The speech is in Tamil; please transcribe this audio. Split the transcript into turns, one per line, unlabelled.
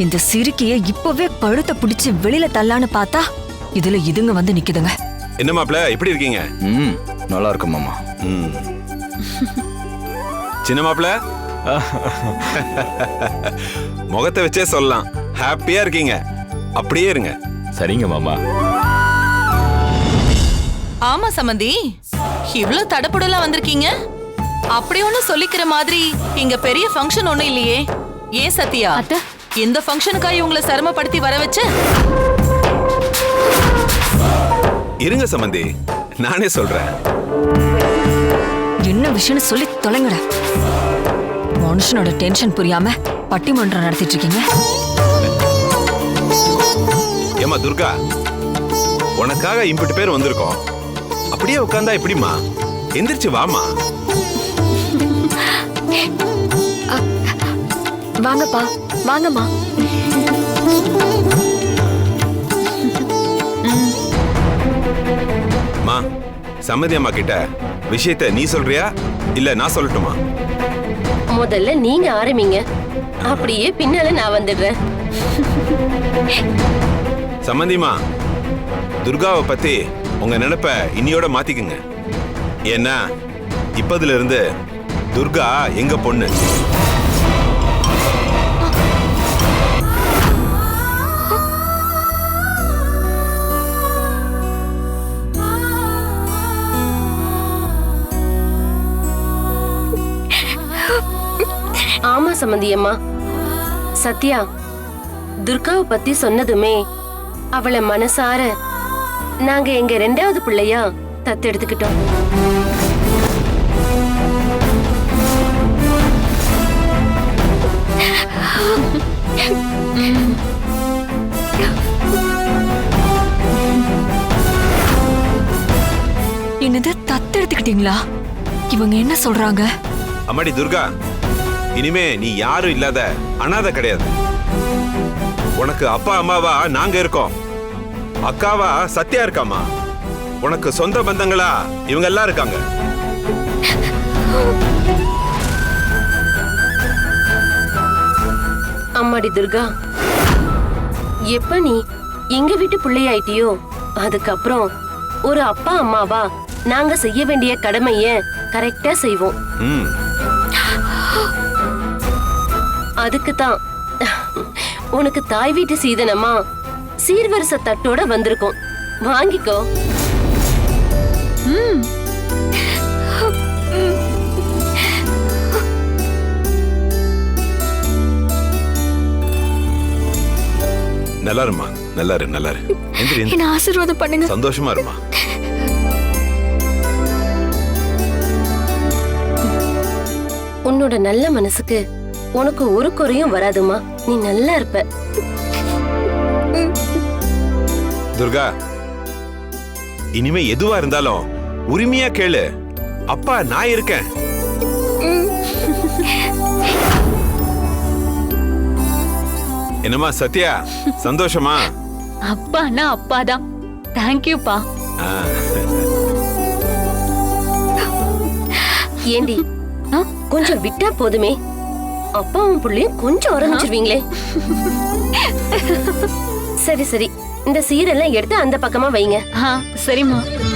இந்த சிறுக்கிய இப்பவே கழுத்தை பிடிச்சு வெளியில தள்ளான்னு பார்த்தா இதுல இதுங்க வந்து நிக்குதுங்க.
என்ன மாப்ள எப்படி இருக்கீங்க?
நல்லா இருக்கும் மாமா.
சின்ன மாப்ள முகத்தை வச்சே சொல்லலாம், ஹாப்பியா இருக்கீங்க. அப்படியே இருங்க.
சரிங்க மாமா.
ஆமா சம்பந்தி, இவ்ளோ தடப்புடலாம் வந்திருக்கீங்க. அப்படி ஒண்ணு சொல்லிக்கிற மாதிரி இங்க பெரிய ஃபங்க்ஷன் ஒண்ணு இல்லையே. ஏன் சத்யா, இந்த ஃபங்க்ஷனுக்காக இவங்களை சிரமப்படுத்தி வர வச்ச?
இருங்க சம்பந்தி, நானே சொல்றேன்.
என்ன விஷயம்னு சொல்லி தொலைங்கட. மனுஷனோட டென்ஷன் புரியாம பட்டிமன்றம் நடத்திட்டு இருக்கீங்க.
ஏமா துர்கா, உனக்காக இம்பிட்டு பேர் வந்திருக்கோம். அப்படியே உட்கார்ந்தா எப்படிமா? எந்திரிச்சு வாமா.
வாங்கப்பா, வாங்கம்மா.
மா, சம்மதி அம்மா கிட்ட விஷயத்தை நீ சொல்றியா இல்ல நான் சொல்லட்டுமா?
முதல்ல நீங்க ஆரம்பிங்க, அப்படியே பின்னால நான் வந்துடுறேன்.
சம்மந்திமா, துர்காவை பத்தி உங்க நினைப்ப இன்னியோட மாத்திக்குங்க. ஏன்னா இப்பதுல இருந்து துர்கா எங்க பொண்ணு.
ஆமா சம்பந்தியம்மா, சத்யா துர்காவை பத்தி சொன்னதுமே அவளை மனசார நாங்க எங்க 2வது பிள்ளையா தத்தெடுத்துக்கிட்டோம்.
என்னது தத்தெடுத்துக்கிட்டீங்களா? இவங்க என்ன சொல்றாங்க?
அம்மாடி துர்கா, இனிமே நீ யாரும் இல்லாத அனாதை கிடையாது. உனக்கு அப்பா அம்மாவா நாங்க இருக்கோம். அக்காவா சத்யா இருக்காமா. உனக்கு சொந்த பந்தங்களா இவங்க எல்லாம் இருக்காங்க.
அம்மாடி துர்கா, எப்ப நீ எங்க வீட்டு பிள்ளையாயிட்டியோ அதுக்கப்புறம் ஒரு அப்பா அம்மாவா நாங்க செய்ய வேண்டிய கடமைய கரெக்டா செய்வோம். அதுக்குதான் உனக்கு தாய் வீட்டு சீதனமா சீர்வரிசை தட்டோட வந்திருக்கோம். வாங்கிக்கோ.
நல்லா இருமா, நல்லா இரு, நல்லா இரு.
என்ன ஆசீர்வாதம் பண்ணுங்க.
சந்தோஷமா இருமா.
உன்னோட நல்ல மனசுக்கு உனக்கு ஒரு குறையும் வராதுமா. நீ நல்லா இருப்ப.
துர்கா, இனிமே எதுவா இருந்தாலும் உரிமையா கேளு. அப்பா நான் இருக்கேன். என்னமா சத்யா, சந்தோஷமா?
அப்பானா அப்பாதான். தேங்க்யூப்பா.
ஏண்டி கொஞ்சம் விட்டா போதுமே, அப்பாவும் புள்ளையும் கொஞ்சம் ஆரம்பிச்சிருவீங்களே. சரி சரி, இந்த சீரெல்லாம் எடுத்து அந்த பக்கமா வைங்க.
சரிம்மா.